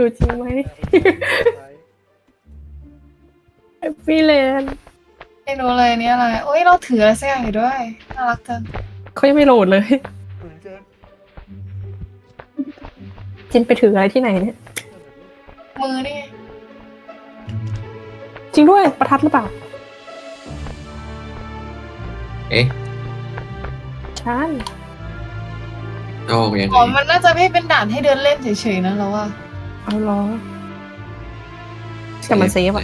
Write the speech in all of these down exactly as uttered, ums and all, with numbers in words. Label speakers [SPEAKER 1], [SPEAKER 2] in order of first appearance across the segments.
[SPEAKER 1] อยู่จริงไหมแฮปปี้แลนด์
[SPEAKER 2] ไม่รู้เลยนี่อะไรโอ้ยเราถืออะไรสักอย่างอยู่ด้วยน่ารักจัง
[SPEAKER 1] เขายังไม่โหลดเลยจินไปถืออะไรที่ไหนเนี่ย
[SPEAKER 2] มือนี่
[SPEAKER 1] จริงด้วยประทัดหรือเปล่า
[SPEAKER 3] เอ๊ะ
[SPEAKER 1] ใช่
[SPEAKER 3] เอาออกยังไง
[SPEAKER 2] อ๋อมันน่าจะไม่เป็นด่านให้เดินเล่นเฉยๆนะเราว่า
[SPEAKER 1] เอาล้อแต่มันเซฟอะ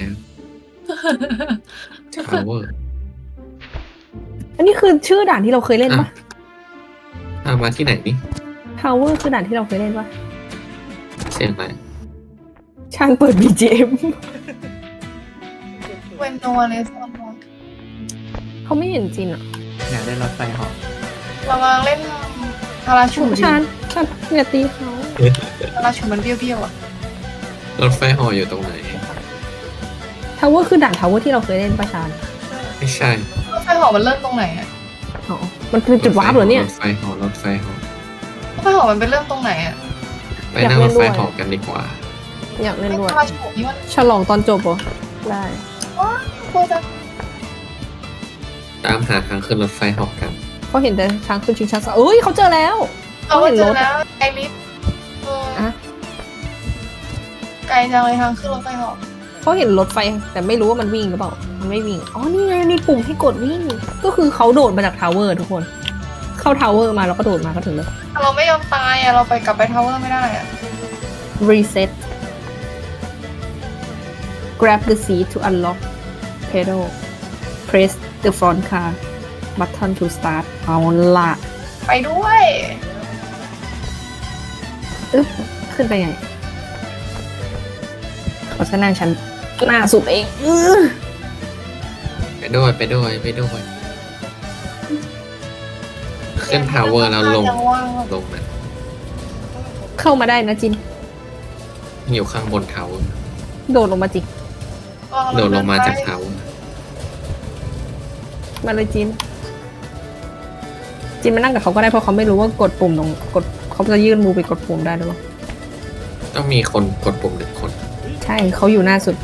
[SPEAKER 3] ทาวเวอร์
[SPEAKER 1] อันนี้คือชื่อด่านที่เราเคยเล่นปะ
[SPEAKER 3] ทามาที่ไหนนี่
[SPEAKER 1] Tower คือด่านที่เราเคยเล่นปะ
[SPEAKER 3] เสียงอะไร
[SPEAKER 1] ช่างเปิด บี จี เอ็ม
[SPEAKER 2] เวนโนเลสอน
[SPEAKER 1] เขาไม่เห็นจินอะ
[SPEAKER 4] อยากได้รถไฟเหาะ
[SPEAKER 2] เรากำลังเล่นพาราชูท
[SPEAKER 1] ชานชานอย่าตีเขา
[SPEAKER 2] พาราชูมันเบี้ยวๆอ่ะ
[SPEAKER 3] รถไฟเหออยู่ตรงไหน
[SPEAKER 1] Tower คือด่าน Tower ที่เราเคยเล่นปะชาน
[SPEAKER 3] ไม่ใช่
[SPEAKER 2] รถไฟหอมันเริ่มตรงไหนอ่ะ
[SPEAKER 1] อ๋อมันคือจุดวาร์ปเหรอเนี่ย
[SPEAKER 3] รถไฟเหอรถไฟเหอ
[SPEAKER 2] รถไฟหอมันเป็นเริ่มตรงไหนอ่ะ
[SPEAKER 3] ไปนั่งรถไฟเหอกันดีกว่า
[SPEAKER 1] อยากเล่นด้วย
[SPEAKER 2] พาราชูนี่มัน
[SPEAKER 1] ฉลองตอนจบเหรอได้
[SPEAKER 2] ว้าวโคตรจะ
[SPEAKER 3] ตามหาทางขึ้นรถไฟเหอกัน
[SPEAKER 1] เขาเห็นแต่ช้างขึ้นชิงช้าสวรรค์เอ้ยเขาเจอแล้ว
[SPEAKER 2] เรา
[SPEAKER 1] เขาเห็น
[SPEAKER 2] เจ
[SPEAKER 1] ร
[SPEAKER 2] อ
[SPEAKER 1] ถ
[SPEAKER 2] แล้วไอริสเออ
[SPEAKER 1] อะ
[SPEAKER 2] ไกลจังเลยทางขึ้นรถไฟหอ
[SPEAKER 1] เขาเห็นรถไฟแต่ไม่รู้ว่ามันวิ่งหรือเปล่ามันไม่วิ่งอ๋อนี่ไงมีปุ่มให้กดวิ่ง ก็คือเขาโดดมาจากทาวเวอร์ทุกคน เข้าทาวเวอร์มาแล้วก็โดดมาก็ถึงแล้ว
[SPEAKER 2] เราไม่ยอมตายอ่ะเราไปกลับไปทาวเวอร์ไม่ได้อ่ะ
[SPEAKER 1] reset grab the seat to unlock pedal press the front car button to start เอาละ
[SPEAKER 2] ไปด้วย
[SPEAKER 1] อึ๊บขึ้นไปไงเขาจะนั่งชั้นหน้าสุดเองอื้อ
[SPEAKER 3] ไปด้วยไปด้วยไปด้วยขึ้นทาวเวอร์แล้วลง
[SPEAKER 2] ยังว่าง
[SPEAKER 3] ลงนะ
[SPEAKER 1] เข้ามาได้นะจิน
[SPEAKER 3] อยู่ข้างบนทาวเวอร์
[SPEAKER 1] โดดลงมาจิ
[SPEAKER 3] โดดลงมาจากทาวเวอร์
[SPEAKER 1] มาเลยจิน จินมานั่งกับเขาก็ได้เพราะเขาไม่รู้ว่ากดปุ่มตรงกดเขาจะยื่นมือไปกดปุ่มได้หรือเปล่า
[SPEAKER 3] ต้องมีคนกดปุ่มหนึ่งคน
[SPEAKER 1] ใช่เขาอยู่หน้าสุด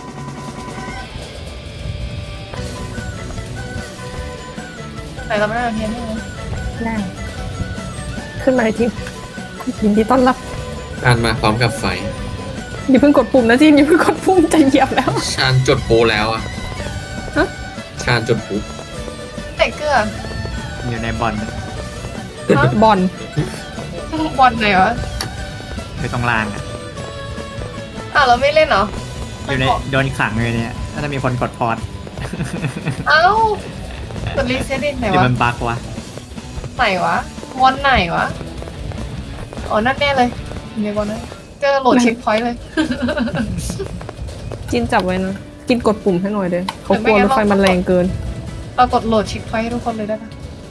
[SPEAKER 2] แต่เราไม่ได้เทียนนี่นะ
[SPEAKER 1] ได้ ขึ้นมาเลยจินยินดีต้อนรับ
[SPEAKER 3] การมาพร้อมกับไฟ
[SPEAKER 1] อย่าเพิ่งกดปุ่มนะจินอย่าเพิ่งกดปุ่มจะเหยียบแล้ว
[SPEAKER 3] ชานจุดปูแล้วอะ
[SPEAKER 1] ฮะ
[SPEAKER 3] ชานจุดปู
[SPEAKER 2] ใส่เกลือ
[SPEAKER 4] อยู่ในบอล
[SPEAKER 1] บอล
[SPEAKER 2] บอลไหนวะ
[SPEAKER 4] อยู่ตรงรางอ่ะ
[SPEAKER 2] อ่ะเราไม่เล่นเหรอ
[SPEAKER 4] อยู่ในโดนขังเลยเนี่ยน่าจะมีคนกดพอด
[SPEAKER 2] เอ้ากดรีเซ็ตดิไหน
[SPEAKER 4] หรือ
[SPEAKER 2] วะ
[SPEAKER 4] มันบั๊กวะ
[SPEAKER 2] ไหนวะบอลไหนวะอ๋อนั่นแน่เลยอยู่ในบอลนั้นเจอโหลดเช็คพอยต์เลย
[SPEAKER 1] จินจับไว้นะจินกดปุ่มให้หน่อยเด้อเขากลัวรถไฟมันแรงเกิน
[SPEAKER 2] เรากดโหลดเช็คพอยต์ให้ทุกคนเลยได้ปะ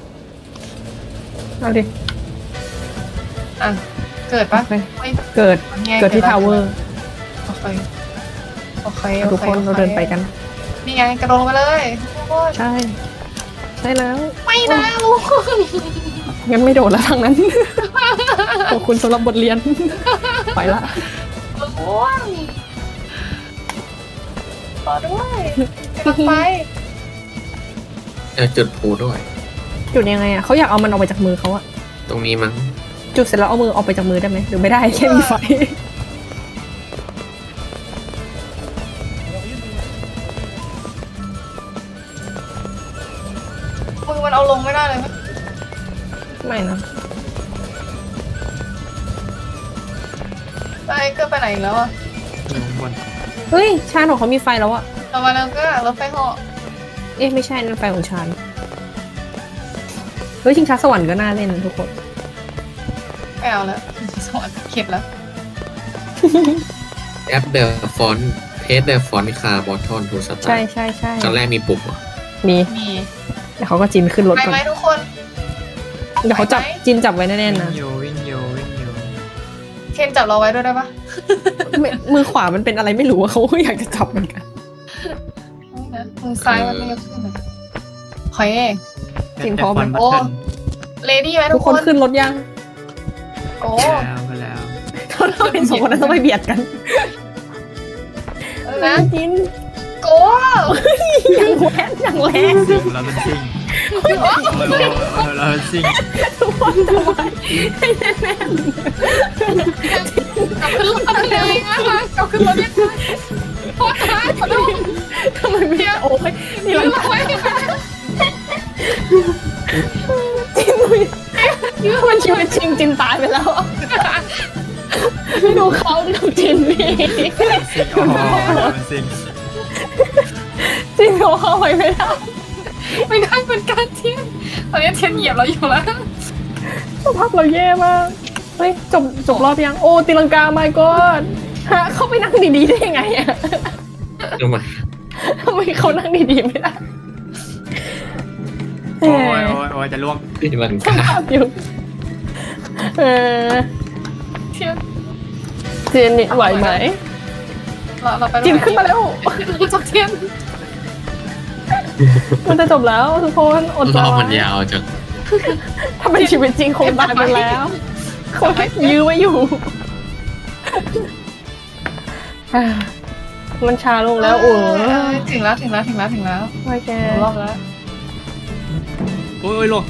[SPEAKER 1] เอาดิ
[SPEAKER 2] อ่ะเกิดปะ
[SPEAKER 1] โอเค
[SPEAKER 2] ไม่
[SPEAKER 1] เกิด
[SPEAKER 2] ง่าย
[SPEAKER 1] เกิดที่
[SPEAKER 2] แล้ว
[SPEAKER 1] ทาวเวอร์
[SPEAKER 2] โอเคโอเคโอ
[SPEAKER 1] ทุก
[SPEAKER 2] เค
[SPEAKER 1] คน
[SPEAKER 2] โอ
[SPEAKER 1] เรา
[SPEAKER 2] ค
[SPEAKER 1] เดินไปกัน
[SPEAKER 2] นี่ไงกระโดดลงมาเลยทุกคน
[SPEAKER 1] ใช่ ใช่แล้ว
[SPEAKER 2] ไม่นะลูก
[SPEAKER 1] งั้นไม่โดดแล้วทางนั้น ขอบคุณสำหรับบทเรียน ไปละ
[SPEAKER 2] อ้วนต่อด้วยกำลังไป
[SPEAKER 3] เออจุดปูด้วย
[SPEAKER 1] จุดยังไงอ่ะเขาอยากเอามันออกไปจากมือเขาอะ
[SPEAKER 3] ตรงนี้มั้ง
[SPEAKER 1] จุดเสร็จแล้วเอามือออกไปจากมือได้ไหมหรือไม่ได้แค่มีไฟ
[SPEAKER 2] มือมันเอาลงไม่ได้เลยไหม
[SPEAKER 1] ไม่นะ
[SPEAKER 2] ไปเกิดไปไหนอีกแล้วอ่ะ
[SPEAKER 4] อยู่ข้างบน
[SPEAKER 1] เฮ้ยชาญของเขามีไฟแล้วอะ
[SPEAKER 2] เรามาแล้วก็รถไฟเหาะ
[SPEAKER 1] เอ๊ะไม่ใช่นั่นไฟของชาญเฮ้ยชิงช้าสวรรค์ก็น่าเล่นนะทุกคน
[SPEAKER 2] ไม่เอาแล้วสวรรค์เข็ดแล้ว
[SPEAKER 3] แอปเดอร์ฟอนเทสเดอร์ฟอนคาร์บอทอนทูสตา
[SPEAKER 1] ใช่
[SPEAKER 3] ร์
[SPEAKER 1] ใช่ใช่
[SPEAKER 3] ตอนแรกมีปุ่มเหรอ
[SPEAKER 1] มี
[SPEAKER 2] มี
[SPEAKER 1] เดี๋ยวเขาก็จินขึ้นรถ
[SPEAKER 2] ไป
[SPEAKER 1] ก่อน
[SPEAKER 2] ไหมทุกคน
[SPEAKER 1] เดี๋ยวเขาจับ
[SPEAKER 2] ไปไหม
[SPEAKER 1] จินจับไว้แน่ๆ
[SPEAKER 4] วิ่
[SPEAKER 1] นะ
[SPEAKER 4] งอยู่วิ่งอยู่วิ่งอยู่
[SPEAKER 2] เคนจับเราไว้ด้วยได้ปะ
[SPEAKER 1] ไม่มือขวามันเป็นอะไรไม่รู้อะเขาก็อยากจะจับเหมือนกัน
[SPEAKER 2] ไม่นะมือซ้ายมันไม่ยกขึ้นนะขอยเอง
[SPEAKER 1] จริงพร้อมไหม
[SPEAKER 4] โอ้
[SPEAKER 2] เลดี้ไหม
[SPEAKER 1] ทุ
[SPEAKER 2] ทุ
[SPEAKER 1] ก
[SPEAKER 2] ก
[SPEAKER 1] ค
[SPEAKER 2] คน น
[SPEAKER 1] ขึ้นรถยัง
[SPEAKER 2] โอ้
[SPEAKER 4] แล้วก็แล้ว
[SPEAKER 1] เขาทำไมสองคนนั้นต้องไปเบียดกัน
[SPEAKER 2] เออนะ
[SPEAKER 1] จิน
[SPEAKER 2] โก
[SPEAKER 1] อย่างแรงอย่างแรง
[SPEAKER 4] ซิ่งเราเป็นซิ่งโอ้ยโอ้ยโอ้ยเราเป็นซิ่ง
[SPEAKER 1] ทุกคนทำไมให้แน่น
[SPEAKER 2] กลับขึ้นรถเลยนะคะกลับขึ้นรถเลยโทษนะขอโทษ
[SPEAKER 1] ๆทำไมไม่โอ้ยนี่
[SPEAKER 2] ยื
[SPEAKER 1] มัน
[SPEAKER 2] นเอาไว้
[SPEAKER 1] จินมันชีวิตจริงจินตายไปแล้วอะดูเขาดูจินนี่
[SPEAKER 4] ซิ่งโอ้โหเราเป็นซิ่ง
[SPEAKER 1] จินเขาเข้าไปไม่ได้
[SPEAKER 2] ไม่ได้เป็นการเทียนตอนนี้เทียนเหยียบเราอยู่แล้ว
[SPEAKER 1] สภาพเราแย่มากเฮ้ยจบจบรอบยังโอ้ตีลังกาไม่ก็ฮะเข้าไปนั่งดีๆได้ยังไงอะ
[SPEAKER 3] ทำไม
[SPEAKER 1] ทำไมเขานั่งดีๆไม่ได้
[SPEAKER 4] โอ้ยโอ้ยโอ้ยจะล่วง
[SPEAKER 3] ที่มัน
[SPEAKER 1] สภาพอยู่เออ
[SPEAKER 2] เทียน
[SPEAKER 1] เจนนี่ไหวไหม
[SPEAKER 2] เราเราไป
[SPEAKER 1] จินขึ้นมาแล้ว
[SPEAKER 2] เราจะเทียน
[SPEAKER 1] มันจะจบแล้วทุกคนอด
[SPEAKER 3] ร
[SPEAKER 1] ร
[SPEAKER 3] อ
[SPEAKER 1] อบ
[SPEAKER 3] มันยาวจัง
[SPEAKER 1] ถ้าเป็นชีวิตจริงคงตายไปแล้วเขายื้อไว้อยู่อ่ามันชาลงแล้วโอ้
[SPEAKER 2] ถึงแล้วถึงแล้วถึงแล้วถึงแล้ว
[SPEAKER 1] ไม่แก
[SPEAKER 2] รอบแล้ว
[SPEAKER 4] โอ้ยโอ้ยล่วง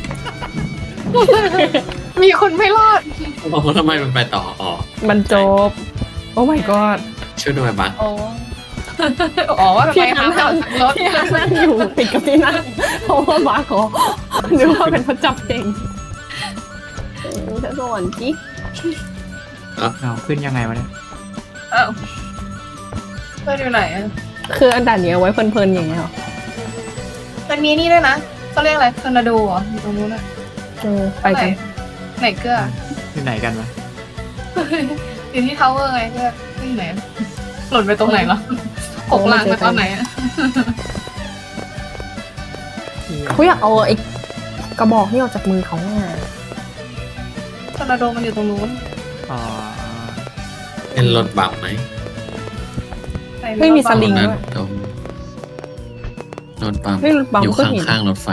[SPEAKER 2] มีคนไม่รอด
[SPEAKER 3] บอกว่าทำไมมันไปต่ออ๋อ
[SPEAKER 1] มันจบ โอ้ my god
[SPEAKER 3] ช่วยด้วยบัก
[SPEAKER 2] อ๋ออ๋อว่าทำไม
[SPEAKER 1] พี่
[SPEAKER 2] หา
[SPEAKER 1] ฮัน
[SPEAKER 2] ทาง
[SPEAKER 1] นั่ง
[SPEAKER 2] รถ
[SPEAKER 1] พี่ฮันนั่งอยู่ติดกับที่นั่งเพราะว่าบาร์ขอนึกว่าเป็นพระจับเองจะสวรรค์จิ
[SPEAKER 4] เอาขึ้นยังไงวะเนี่ย
[SPEAKER 2] อ้าวเพื่อนอยู่ไหนอ่ะ
[SPEAKER 1] คืออันด่านนี้เอาไว้เพลินๆอย่างเงี้ยเหรอ
[SPEAKER 2] มันมีนี่ด้วยนะเขาเรียกอะไรทอร์นาโดเหรออยู่ตรงนู้นอ่ะ
[SPEAKER 1] เออไปกัน
[SPEAKER 2] ไหนเกลือ
[SPEAKER 4] อยู่ไหนกันวะ
[SPEAKER 2] อยู่ที่ทาวเวอร์ไงเกลือที่ไหนหล่นไปตรงไหนเหรอหกลางไปตอนไหนอ่ะ
[SPEAKER 1] เขาอยากเอาไอ้กระบอกนี่ออกจากมือเขาเนี่ย
[SPEAKER 2] ทอร์นาโดมันอยู่ตรงนู้น
[SPEAKER 4] อ๋อ
[SPEAKER 3] เป็นรถบัมไหม
[SPEAKER 1] ไม่มีสลิง
[SPEAKER 3] นั้น
[SPEAKER 1] ด้วย
[SPEAKER 3] ตรงรถบัม
[SPEAKER 1] เฮ้ยรถบัม
[SPEAKER 3] อยู่
[SPEAKER 1] ก็เห็น
[SPEAKER 3] ข้างๆรถไฟ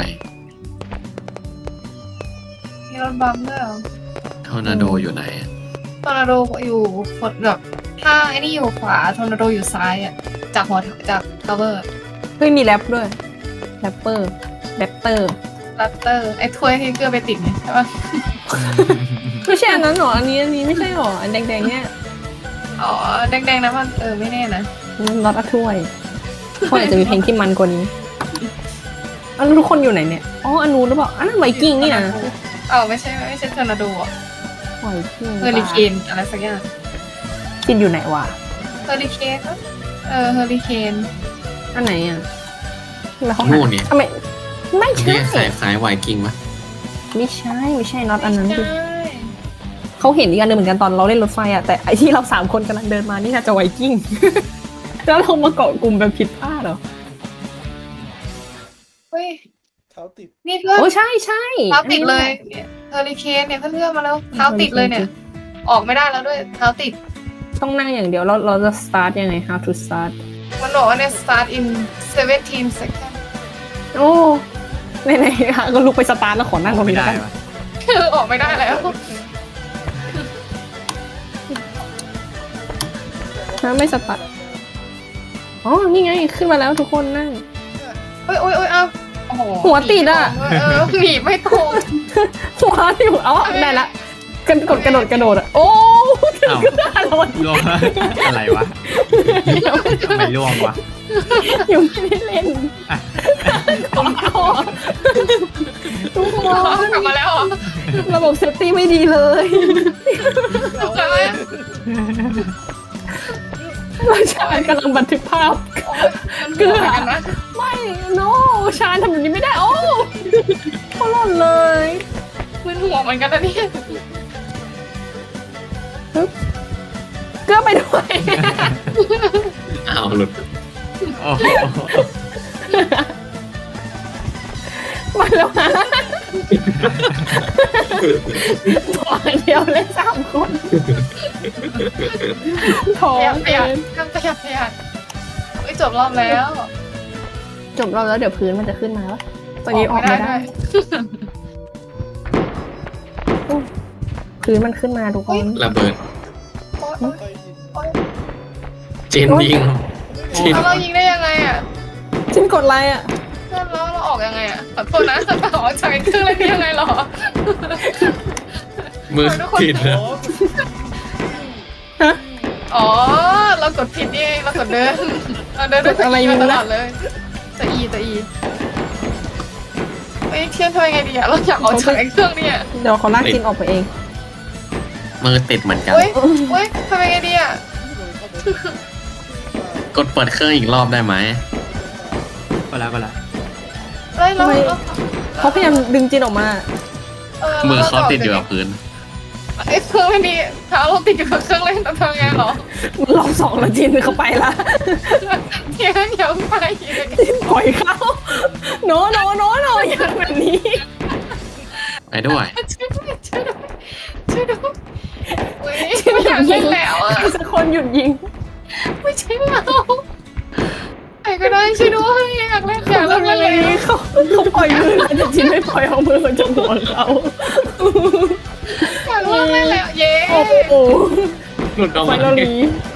[SPEAKER 2] มีรถบัมด้วยเหรอ
[SPEAKER 3] ทอร์นาโดอยู่ไหนอะ
[SPEAKER 2] ทอร์นาโดอยู่คนแบบถ้าไอ้นี่อยู่ขวาทอร์นาโดอยู่ซ้ายอ่ะจากหัวจากทาวเวอร์
[SPEAKER 1] เฮ้ยมีแรปด้วยแรปเปอร์แรปเตอร์
[SPEAKER 2] ลัตเตอร์ไอ้ถ้วยที่เกลือไปติดเนี่ยใช่ปะ
[SPEAKER 1] ไม่ใช่อันนั้นหรออันนี้อันนี้ไม่ใช่หรออันแดงๆเนี่ย
[SPEAKER 2] อ๋อแดงๆนะมันเออไม่แน่นะ
[SPEAKER 1] น็อตอะถ้วยถ้วยอาจจะมีเพลงที่มันกว่านี้อันนู้นทุกคนอยู่ไหนเนี่ยอ๋ออันนู้นหรือเปล่าอันนั้นไวกิ้งนี่นะ
[SPEAKER 2] อ๋อไม่ใช่ไม่ใช่ทอร์นาโดอ่ะ
[SPEAKER 1] ไวกิ้ง
[SPEAKER 2] เฮอริเคนอะไรสักอย่าง
[SPEAKER 1] กินอยู่ไหนวะ
[SPEAKER 2] เฮอริเคนปะเออเฮอริเคน
[SPEAKER 1] อันไหนอ่ะแล้วเขา
[SPEAKER 3] โน่นเนี่ย
[SPEAKER 1] ทำไมไม่ใช่
[SPEAKER 3] ที่คล้ายคล้ายไวกิ้งปะ
[SPEAKER 1] ไม่ใช่ไม่ใช่น็อตอันนั้น
[SPEAKER 2] ใช่
[SPEAKER 1] คือเขาเห็นอีกอันหนึงเหมือนกันตอนเราเล่นรถไฟอ่ะแต่ไอที่เราสามคนกำลังเดินมานี่น่าจะไวกิ้ง แล้วเรามาเกาะกลุ่มแบบผิดพลาดเหรอ
[SPEAKER 2] เฮ้ย
[SPEAKER 5] เท้าติด
[SPEAKER 2] นี่เพื่อน
[SPEAKER 1] โอ้ใช่ใช่
[SPEAKER 2] เท้าติดเลยเนี่ยเฮอริเคนเนี่ยเพื่อนๆมาแล้วเท้าติดเลยเนี่ย ออกไม่ได้แล้วด้วยเท้าติด
[SPEAKER 1] ต้องนั่งอย่างเดียวเราเราจะ start ยังไง how to start
[SPEAKER 2] มันบอกว่าเนี่ย start in seventeen seconds
[SPEAKER 1] โอ้ไหนๆค่ะก็ลุกไปสตาร์ทแล้วขอนั่งตรง
[SPEAKER 4] ไม่
[SPEAKER 1] นี้
[SPEAKER 4] ได้
[SPEAKER 1] แล้วกัน
[SPEAKER 4] วะ
[SPEAKER 2] คือออกไม่ได้แล้ว
[SPEAKER 1] นะไม่สตาร์ทอ๋อนี่ไงขึ้นมาแล้วทุกคนนั่ง
[SPEAKER 2] เฮ้ยโอ้ยโอ้ยเอ้าโอ้โห
[SPEAKER 1] หัวติดอะ
[SPEAKER 2] เออหนีไม่ตรง
[SPEAKER 1] หัวอยู่อ๋อได้ละกระโดดกระโดดกระโดดอ่ะโอ้ถึง
[SPEAKER 4] เอ้า
[SPEAKER 1] ก็ได้แล้ว
[SPEAKER 4] ล่วงอะไรวะทำไมล่วงวะ
[SPEAKER 1] ยังไม่ได้เล่นของก่อนทุกคน
[SPEAKER 2] กลับมาแล้วเหรอ
[SPEAKER 1] ระบบเซฟตี้ไม่ดีเลย
[SPEAKER 2] กลับมาแล้ว
[SPEAKER 1] เราชานกำลังบันทึกภาพ
[SPEAKER 2] มันเกลือกันนะ
[SPEAKER 1] ไม่ no ชานทำแบบนี้ไม่ได้โอ้เขาหล่นเลย
[SPEAKER 2] มึนหัวเหมือนกันนะเนี่ย
[SPEAKER 1] เกลือไปด้วย
[SPEAKER 3] อ้าวหลุด
[SPEAKER 4] โอ้โห
[SPEAKER 1] มาแล้วฮะตัวเดียวเลยสามคนท้อ
[SPEAKER 2] ประหยัด
[SPEAKER 1] ง
[SPEAKER 2] ประหยัด
[SPEAKER 1] เกิ
[SPEAKER 2] ทำประหยัดประหยัดไม่จบรอบแล้ว
[SPEAKER 1] จบรอบแล้วเดี๋ยวพื้นมันจะขึ้นมาแล้วตอนนี้ออกไม่ได้ พื้นมันขึ้นมาทุกคน
[SPEAKER 3] ระเบิด
[SPEAKER 2] โอ้
[SPEAKER 3] เจนยิงเจน
[SPEAKER 2] แล้วเรายิงได้ยังไงอ่ะ
[SPEAKER 1] จินกดไลน์อ่ะ
[SPEAKER 2] แล้วเราออกยังไงอ่ะขอโทษนะเราออกจากเครื่องเล่นได้ยังไงหรอ
[SPEAKER 3] มือผิดแล้ว
[SPEAKER 1] ฮะ
[SPEAKER 2] อ๋อเรากดผิดนี่เองเรากดเดินเราเดินด้วย
[SPEAKER 1] กดอะไร
[SPEAKER 2] อี
[SPEAKER 1] ไม่
[SPEAKER 2] มา
[SPEAKER 1] รู้
[SPEAKER 2] ต
[SPEAKER 1] นะ
[SPEAKER 2] ลอดเลยจะอีจะอีเฮ้ยเทียนทำยังไงดีอ่ะเราอยากออกจากไอ้เครื่องเนี่ย
[SPEAKER 1] เดี๋ยวเขาลากจินออกไปเอง
[SPEAKER 4] มือติดเหมือนกัน
[SPEAKER 2] เฮ้ยเฮ้ยทำยังไงดีอ่ะ
[SPEAKER 4] กดเปิดเครื่องอีกรอบได้ไหมก็แล้วก็แล้ว
[SPEAKER 2] เฮ้ยเรา
[SPEAKER 1] ทำไม
[SPEAKER 2] เรา
[SPEAKER 1] เขาพยายามดึงจินออกมา
[SPEAKER 4] มือเขาติดอยู่กับพื้น
[SPEAKER 2] ไอ้เครื่องไม่ดีเท้าเราติดอยู่กับเครื่องเล่นแต่ทำไงหรอ
[SPEAKER 1] รอบสองแล้วจินเขาไปละ
[SPEAKER 2] เทียนอย่าไปอีก
[SPEAKER 1] จินปล่อยเขาโนโนโนโนอย่างแบบนี้
[SPEAKER 4] ไปด้วย
[SPEAKER 2] ช่วยด้วยช่วยด้วยช่วยด้วยเฮ้ยไม่อยากเล่นแล้วอ่ะ
[SPEAKER 1] ใครสักคนหยุดยิง
[SPEAKER 2] ไม่ใช่เราใครก็ได้ช่วยด้วยอยากเล่นอยาก
[SPEAKER 1] เขา
[SPEAKER 2] เล่น
[SPEAKER 1] ทำยังไง
[SPEAKER 2] เลย
[SPEAKER 1] ดีเขาเขาปล่อยมือแล้วแต่จินไม่ปล่อยเอามือมาจับหัวเขา
[SPEAKER 2] อยากเล่นเล่นแล้วเย้
[SPEAKER 1] โอ้โห
[SPEAKER 4] หลุดออก
[SPEAKER 1] ไฟ
[SPEAKER 4] มา
[SPEAKER 1] เราลี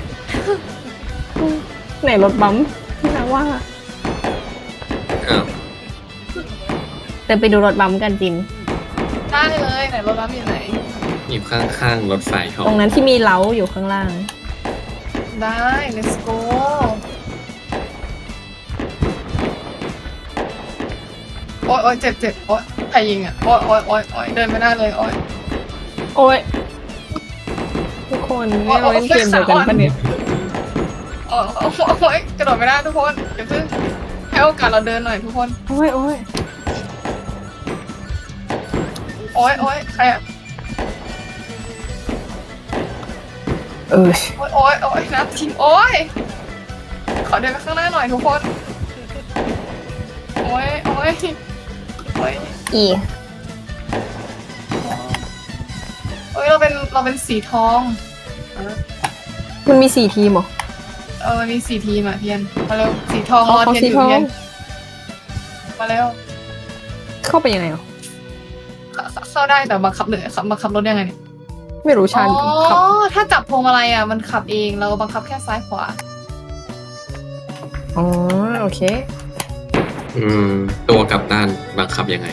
[SPEAKER 1] ไหนรถบัมป์ที่นะว่า
[SPEAKER 3] อ้าว
[SPEAKER 1] เดินไปดูรถบัมป์กันจิน
[SPEAKER 2] ได้เลยไหนรถบัสอยู่ไหน
[SPEAKER 3] อยู่ข้างๆรถไฟเขา
[SPEAKER 1] ตรงนั้นที่มีเล้าอยู่ข้างล่าง
[SPEAKER 2] ได้ let's go โอ๊ยโอ๊ยเจ็บเจ็บโอ๊ยใครยิงอ่ะโอ๊ยโอ๊ยโอ๊ยโอ๊ยเดินไม่ได้เลยโอ๊ย
[SPEAKER 1] โอ้ยทุกคนเนี่ยเราเล่นเกมเดียวกันปะเนี่ย
[SPEAKER 2] โอ๊ยโอ๊ยโอ๊ยกระโดดไม่ได้ทุกคนเดี๋ยวเพิ่งให้โอกาสเราเดินหน่อยทุกคน
[SPEAKER 1] โอ้ยโอ้ย
[SPEAKER 2] โอ๊ยโอ๊ยใครอ่ะ
[SPEAKER 1] เออ
[SPEAKER 2] โอ๊ยโอ๊ยโอ๊ยน้ำทิ้งโอ๊ยขอเดินไปข้างหน้าหน่อยทุกคนโอ๊ยโอ๊ยโอ๊ย
[SPEAKER 1] อี
[SPEAKER 2] โอ๊ยเราเป็นเราเป็นสีทอง
[SPEAKER 1] มันมีสี่ทีมเหรอ
[SPEAKER 2] เออมีสี่ทีมอ่ะเทียนมาเร็วสีทองร
[SPEAKER 1] เขา
[SPEAKER 2] อ
[SPEAKER 1] เขา
[SPEAKER 2] เทียน
[SPEAKER 1] สี
[SPEAKER 2] อยู่
[SPEAKER 1] ทอง
[SPEAKER 2] เทียนมาเร็ว
[SPEAKER 1] เข้าไปยังไงเหรอ
[SPEAKER 2] เข้าเข้าได้แต่บังคับเหนือบังคับรถยังไงเนี่ย
[SPEAKER 1] ไม่รู้
[SPEAKER 2] อ๋
[SPEAKER 1] ชัน
[SPEAKER 2] อ
[SPEAKER 1] ขับ
[SPEAKER 2] ถ้าจับพวงมาลัยอ่ะมันขับเองเราบังคับแค่ซ้ายขวา
[SPEAKER 1] อ๋อโอเค
[SPEAKER 3] อืม ตัวกลับด้านบังคับยังไง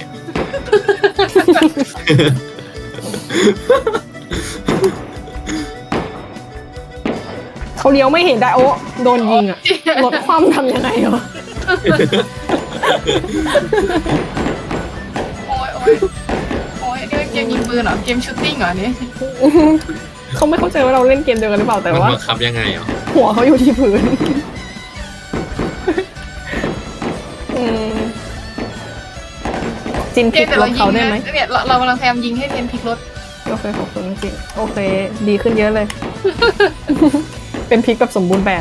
[SPEAKER 1] เขาเลี้ยวไม่เห็นได้โอ้โดนยิงอ่ะรถคว่ำทำยังไงเหรอ
[SPEAKER 2] โอ้ยโอ้ยโอ้ยนี่เกมยิงปืนเหรอเกมชูตติ้งเหรอเนี่ย
[SPEAKER 1] เขาไม่เข้าใจว่าเราเล่นเกมเดียวกันหรือเปล่าแต่
[SPEAKER 3] มัน
[SPEAKER 1] ว่า
[SPEAKER 3] บังคับยังไงอ่ะ
[SPEAKER 1] หัวเขาอยู่ที่พื้นอืมจินพ
[SPEAKER 2] เก
[SPEAKER 1] ลิ
[SPEAKER 2] ม
[SPEAKER 1] ก
[SPEAKER 2] แต่
[SPEAKER 1] ร
[SPEAKER 2] เรา
[SPEAKER 1] ถ
[SPEAKER 2] ยิ
[SPEAKER 1] เขา
[SPEAKER 2] ง
[SPEAKER 1] ได้
[SPEAKER 2] นะ
[SPEAKER 1] ไหม
[SPEAKER 2] เนี่ยเราเรากำลังพยายามยิงให้เทียนพลิกรถ
[SPEAKER 1] โอเคขอบคุณจริงโอเค ดีขึ้นเยอะเลย เป็นพลิกแบบสมบูรณ์แบบ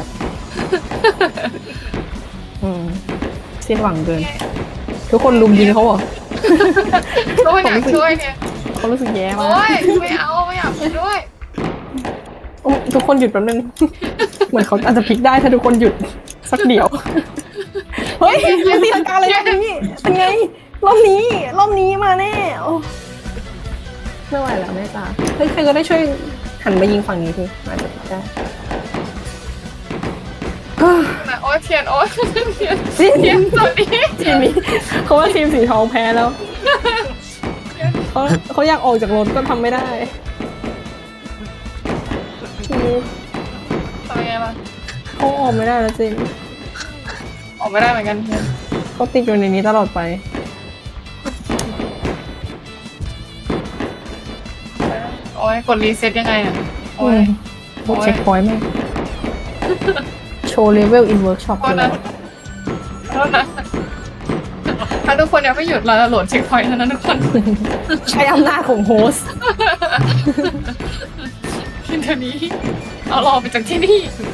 [SPEAKER 1] อืมสิ้นหวังเกิน ทุกคนลุมยิงเขาเหรอ
[SPEAKER 2] ช่วยหน่อยช่วยเนี่ย
[SPEAKER 1] เขารู้สึกแย่มา
[SPEAKER 2] โอ้
[SPEAKER 1] ก
[SPEAKER 2] ยไม่เอาไม่อยากไปด้วย
[SPEAKER 1] โอ้ทุกคนหยุดแป๊บนึง เหมือนเขาอาจจะพลิกได้ถ้าทุกคนหยุดสักเดียว เฮ้ยมันตีลังกาเลยรอบนี้เป็นไง รอบนี้ รอบนี้มาแน่โอ้ไม่ไหวแล้วแม่จ้าเฮ้ยใครก็ได้ช่วยหันมายิงฝั่งนี้ทีอาจจะพลิกได้
[SPEAKER 2] โอ้ยเทียนโอ้ยเทียน
[SPEAKER 1] ทีม
[SPEAKER 2] เทียนสวัสดี
[SPEAKER 1] ทีมนี้เขาว่าทีมสีทองแพ้แล้วเขาเขาอยากออกจากรถก็ทำไม่ได้ทีม
[SPEAKER 2] ทำยังไงล่ะ
[SPEAKER 1] เขาออกไม่ได้แล้วจริง
[SPEAKER 2] ออกไม่ได้เหมือนกันเทียน
[SPEAKER 1] เขาติดอยู่ในนี้ตลอดไป
[SPEAKER 2] โอ้ยกดรีเซ็ตยังไงอ่ะโอ้
[SPEAKER 1] โอ้
[SPEAKER 2] ย
[SPEAKER 1] ยโอ้เช็คพอยต์แม่งโชว์เลเวลอินเวิร์กช็อป
[SPEAKER 2] โท
[SPEAKER 1] เล
[SPEAKER 2] ษ
[SPEAKER 1] ย
[SPEAKER 2] นะโทษนะถ้าทุกคนยังไม่หยุดเราจะโหลดเช็คพอยต์เท่านั้นทุกคน
[SPEAKER 1] ใช้อำนาจของโฮสต์
[SPEAKER 2] ทีเดี๋ยวนี้เอารอไปจากที่นี่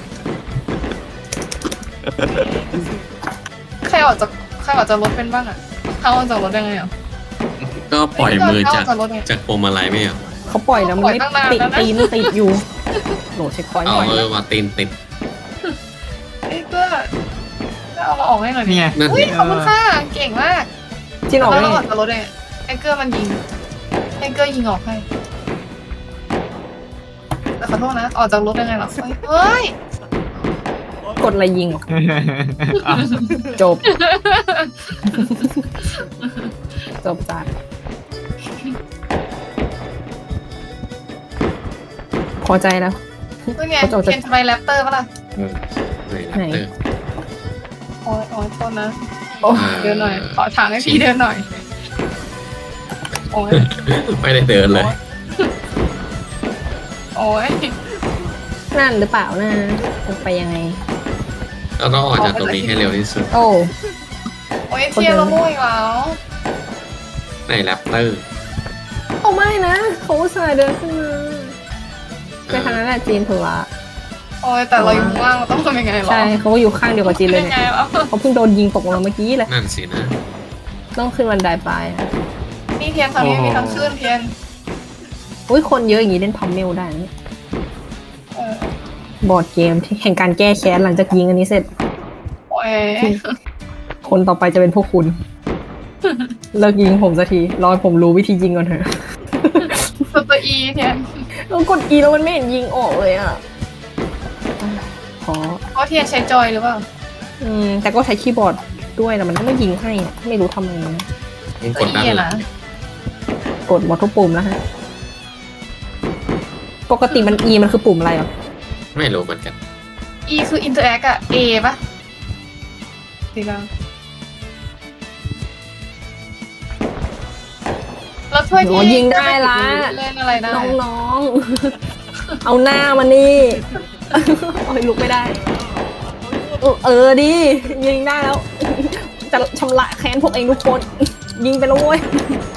[SPEAKER 2] ใครออกจากใครออกจากรถเป็นบ้างอ่ะเขาออกจากรถยังไงอ่ะ
[SPEAKER 3] ก็ปล่อยมือจาก
[SPEAKER 2] เข้าจากรถไง
[SPEAKER 3] จากพวงมาลัยไม่เหรอ
[SPEAKER 1] เขาปล่อยแล้วมันไม่
[SPEAKER 2] ปล่อยตั้งนาน
[SPEAKER 1] ติด
[SPEAKER 2] แล้วนะ
[SPEAKER 1] ตีนติดอยู่โหลดเช็คพอยต์ห
[SPEAKER 3] เอา
[SPEAKER 1] น่อย
[SPEAKER 3] เออมาตีนติด
[SPEAKER 2] ไอ้เพื่อเอาเราออกให้หน่อยดิ
[SPEAKER 4] นี่ไง
[SPEAKER 3] นั่น
[SPEAKER 2] อุ้ย
[SPEAKER 3] ไง
[SPEAKER 2] ขอบคุณค่ะเก่งมาก
[SPEAKER 1] จินออก
[SPEAKER 2] แล้ว
[SPEAKER 1] ได้
[SPEAKER 2] เรา
[SPEAKER 1] ไง
[SPEAKER 2] ออกจากรถเองไอ้เกอร์มันยิงไอ้เกอร์ยิงออกให้แต่ขอโทษนะออกจากรถยังไงหรอเฮ้ย
[SPEAKER 1] กดอะไรยิงเหรอ
[SPEAKER 4] อ้าว
[SPEAKER 1] จบ จบจัดพอใจแล้ว
[SPEAKER 2] เป็นไง
[SPEAKER 1] เขาจะ
[SPEAKER 2] เคนจะไปแรปเตอร์ปะล่ะ
[SPEAKER 3] เออไหนแรปเตอร์
[SPEAKER 2] โอ้ยโอ้ยโทษนะ
[SPEAKER 1] โอ้
[SPEAKER 2] เดินหน่อย ขอทางให้พี่เดินหน่อย โอ้ย
[SPEAKER 3] ไม่ได้เดินเลย
[SPEAKER 2] โอ้ย
[SPEAKER 1] นั่นหรือเปล่านะจะไปยังไง
[SPEAKER 3] แล้วก็ออกจากตรงนี้ให้เร็วที่สุด
[SPEAKER 1] โอ้
[SPEAKER 2] โอ้ยเทียร์ละมุ้ยแล้ว
[SPEAKER 3] ในแรปเตอร์
[SPEAKER 1] เขาไม่นะเขาอุตส่าห์เดินขึ้นมาไปทางนั้นแหละจีนถูกละ
[SPEAKER 2] โอ้ยแต่เราอยู่ข้างล่างเราต้องทำยังไงหรอ
[SPEAKER 1] ใช่เขาก็อยู่ข้างเดียวกับจีนเลย
[SPEAKER 2] ยัง
[SPEAKER 1] เนี่
[SPEAKER 2] ไง
[SPEAKER 1] ย
[SPEAKER 2] แล้ว
[SPEAKER 1] เขาเพิ่งโดนยิงตกลงมาเมื่อกี้เลย
[SPEAKER 3] นั่นสินะ
[SPEAKER 1] ต้องขึ้นบันไดไปอะ
[SPEAKER 2] นี่เทียนทางนี้มีทางขึ้นเทียน
[SPEAKER 1] อุ้ยคนเยอะอย่างนี้เล่นพัมเมลได้นะ
[SPEAKER 2] เออบ
[SPEAKER 1] อร์ดเกมที่แห่งการแก้แค้นหลังจากยิงอันนี้เสร็จ
[SPEAKER 2] โอ้ย
[SPEAKER 1] คนต่อไปจะเป็นพวกคุณ เลิกยิงผมสักทีรอให้ผมรู้วิธียิงก่อนเถอะ
[SPEAKER 2] ตัวตัวอีเทียน
[SPEAKER 1] แล้วกด E แล้วมันไม่เห็นยิงออกเลยอ่ะขอ
[SPEAKER 2] เพราะเทียนใช้จอยหรือเปล่า
[SPEAKER 1] อืมแต่ก็ใช้คีย์บอร์ดด้วยแต่มันก็ไม่ยิงให้อะไม่รู้ทำไมนะ
[SPEAKER 3] มึง
[SPEAKER 2] ตั
[SPEAKER 3] ก
[SPEAKER 2] ว
[SPEAKER 3] ดด้าน
[SPEAKER 2] อี
[SPEAKER 3] หลั
[SPEAKER 2] นะ
[SPEAKER 3] ง
[SPEAKER 1] กดบอททุกปุ่มแล้วฮะปกติมัน E มันคือปุ่มอะไรอ่ะ
[SPEAKER 3] ไม่รู้เหมือนกัน
[SPEAKER 2] อีคือ interact อะ A ปะดีแล้วแล้วถ้วย
[SPEAKER 1] โอ้
[SPEAKER 2] ที่
[SPEAKER 1] ยิงได้ละ
[SPEAKER 2] เล่นอะไรได้
[SPEAKER 1] น้องๆ เอาหน้ามานี่ โอ้ยลุกไม่ได้ เออเออดิยิงได้แล้ว จะชำระแค้นพวกเองทุกคน ยิงไปแล้วเว้ย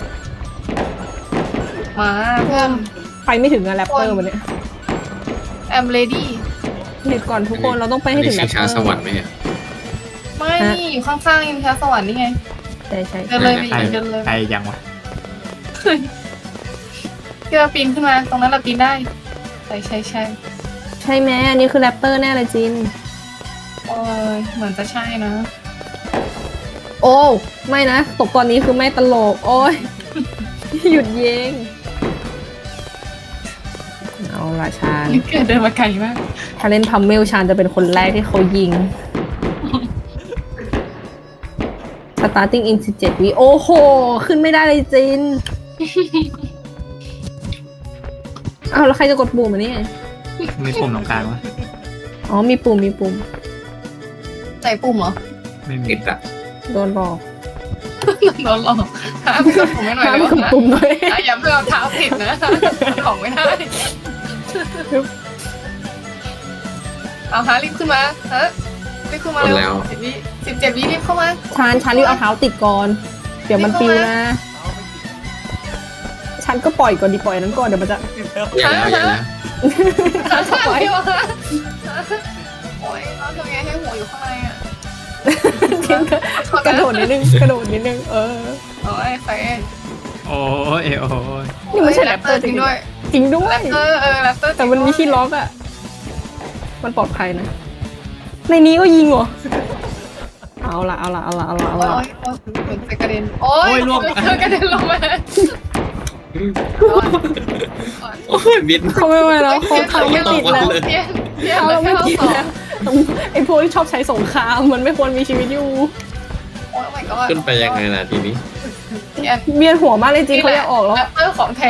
[SPEAKER 2] มาเพื่อน
[SPEAKER 1] ไปไม่ถึงอะแรปเตอร์วันเนี้ย
[SPEAKER 2] I'm ready
[SPEAKER 1] เดี๋ยวก่อนทุกคนเราต้องไปให้
[SPEAKER 3] อัน
[SPEAKER 1] ถึ
[SPEAKER 3] นี้
[SPEAKER 1] งแร
[SPEAKER 3] ชิ
[SPEAKER 1] ป
[SPEAKER 3] ง
[SPEAKER 1] เต
[SPEAKER 3] ช้า
[SPEAKER 1] อร์
[SPEAKER 3] สวรรค์ไหมอะ
[SPEAKER 2] ไม่
[SPEAKER 1] ฮะ
[SPEAKER 2] นี่อยู่ข้างๆยิงช้าสวรรค์นี่ไง
[SPEAKER 1] ใช่ใช่
[SPEAKER 2] เดินเลยไป
[SPEAKER 4] ใคร
[SPEAKER 2] อีกเดินเลย
[SPEAKER 4] ใครยังวะ
[SPEAKER 2] ที่เราปีนขึ้นมา ตรงนั้นเราปีนได้ ใช่ใช่ใช่
[SPEAKER 1] ใช่ไหมอันนี้คือแรปเตอร์แน่เลยจิน
[SPEAKER 2] โอ้ยเหมือนจะใช่นะ
[SPEAKER 1] โอ้ไม่นะตกตอนนี้คือไม่ตลก โอ้ย หยุดยิงเอาละชาญ
[SPEAKER 2] นี่เกิดเดินมาไกลมาก
[SPEAKER 1] ถ้าเล่นพัมเมลชาญจะเป็นคนแรกที่เขายิง starting in สิบเจ็ดวิโอ้โห ขึ้นไม่ได้เลยจิน อ้าวแล้วใครจะกดปุ่มอันนี้ไง
[SPEAKER 4] มีปุ่มตรงกลางวะ
[SPEAKER 1] อ๋อมีปุ่มมีปุ่ม
[SPEAKER 2] ใส่ปุ่มเหรอ
[SPEAKER 4] ไม่มี
[SPEAKER 3] ติดอะ
[SPEAKER 1] โดนบอก
[SPEAKER 2] โดนหลอกหาปุ่มไม่หน่อย
[SPEAKER 1] ห้าม
[SPEAKER 2] เลย
[SPEAKER 1] กด
[SPEAKER 2] นะ
[SPEAKER 1] ปุ่มเลย
[SPEAKER 2] อ่ะอย่าเพิ่งเอาเท้าติดนะของไม่ได้ เอาฮะรีบขึ้นมาฮะรีบขึ้นมาเร็วสิบวิสิบเจ็ดวิรีบเข้ามา
[SPEAKER 1] ชาญชาญรีบเอาเท้าติดก่อน เดี๋ยวมันปิวนะ ฉันก็ปล่อยก่อนดีปล่อยอันนั้นก่อนเดี๋ยวมันจะ
[SPEAKER 3] อย่าแล้วอย่าแล้ว
[SPEAKER 2] หาทางเดียวฮะโอ้ยเราทำไงให้หัวอยู่ข้างในอ่ะ
[SPEAKER 1] กระโดดนิดนึงกระโดดนิดนึงเออ
[SPEAKER 2] โอ้ยใคร
[SPEAKER 4] โอ้ยโอ้ย
[SPEAKER 1] นี่ไม่ใช่แรปเตอร์
[SPEAKER 2] จริงด้วย
[SPEAKER 1] จริงด้ว
[SPEAKER 2] แร
[SPEAKER 1] ย
[SPEAKER 2] ปเตอร์เออแรปเตอร์
[SPEAKER 1] แต่มันมีที่ล็อกอะมันปลอดภัยนะ ในนี้ก็ยิงเหรอ เอาละเอาละเอาละเอาละเอา
[SPEAKER 2] โอ้
[SPEAKER 1] ละ
[SPEAKER 2] ยโอ้ยเหมือนจะกระเด็นโอ้ยเธอกระเด็นลงมา
[SPEAKER 3] โอ้ยบิน
[SPEAKER 1] เขาไม่ไหวแล้วเขาเขาไม่ติดแล้ว
[SPEAKER 2] เทียนเทียน
[SPEAKER 1] เขา
[SPEAKER 2] แล้ว
[SPEAKER 1] ไม่
[SPEAKER 2] แค่เรา
[SPEAKER 1] ติด
[SPEAKER 2] สอง
[SPEAKER 1] แล้วไอ้พวกที่ชอบใช้สงครามมันไม่ควรมีชีวิตอยู่
[SPEAKER 2] โอ้ย my god
[SPEAKER 3] ขึ้นไปยังไงล่ะทีนี้
[SPEAKER 2] เทียน
[SPEAKER 1] เบียนหัวมากเลยจริงเขาอยากออกแล้ว
[SPEAKER 2] แรปเตอร์ของแท้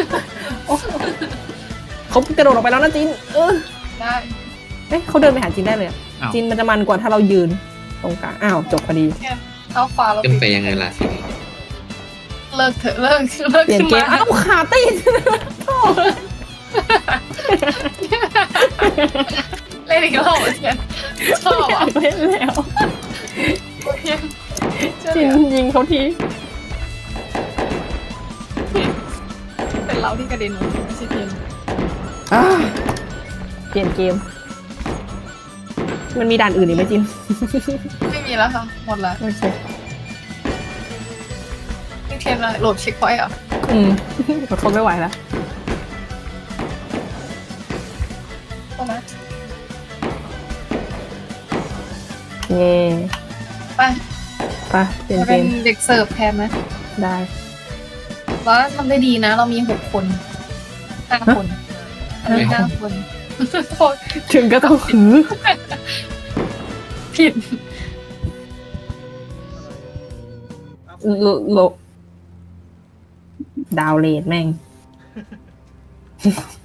[SPEAKER 1] เขากระโดดออกไปแล้วนะจินเออ
[SPEAKER 2] ได้
[SPEAKER 1] เอ๊ะเขาเดินไปหาจินได้เลยอะ
[SPEAKER 4] อ้าว
[SPEAKER 1] จินมันจะมันกว่าถ้าเรายืนตรงกลางอ้าวจบพอดี
[SPEAKER 2] เทียนเอาขวาเรา
[SPEAKER 3] ขึ้นไปยังไงล่ะทีนี้
[SPEAKER 2] เลิกเถอะเลิกเลิก
[SPEAKER 1] เปลี่ยน
[SPEAKER 2] ขึ้น
[SPEAKER 1] เก
[SPEAKER 2] มาม
[SPEAKER 1] อ้าวขาติดโถ่
[SPEAKER 2] เล่นอีกรอบเทียนชอบ
[SPEAKER 1] อยา
[SPEAKER 2] อ่ะ
[SPEAKER 1] กเล่นแล้ว
[SPEAKER 2] เทียน
[SPEAKER 1] จินยิงเขาที
[SPEAKER 2] เป็นเราที่กระเด็นไม่ใช่เทียน
[SPEAKER 1] อ่าเปลี่ยนเกม มันมีด่านอื่นอีกไหมจิน
[SPEAKER 2] ไม่มีแล้วค่ะหมดแล้ว
[SPEAKER 1] โอเค
[SPEAKER 2] นี่เทียนอะไรโหลดเช็คพอยต์อ่ะ
[SPEAKER 1] อืมอดทนไม่ไหวแล้ว
[SPEAKER 2] ตรงนั้น
[SPEAKER 1] เย่
[SPEAKER 2] ไป
[SPEAKER 1] ไปเปลี่ยน
[SPEAKER 2] เรา
[SPEAKER 1] เก
[SPEAKER 2] เป็น
[SPEAKER 1] ม
[SPEAKER 2] เด็กเสิร์ฟแทนนะ
[SPEAKER 1] ได้
[SPEAKER 2] เราทำได้ดีนะ เรามีหกคนห้าคนห้าคนโทษ
[SPEAKER 1] ถึงก็ต้องหือ
[SPEAKER 2] ผิด
[SPEAKER 1] โลโลดาวเลดแม่ง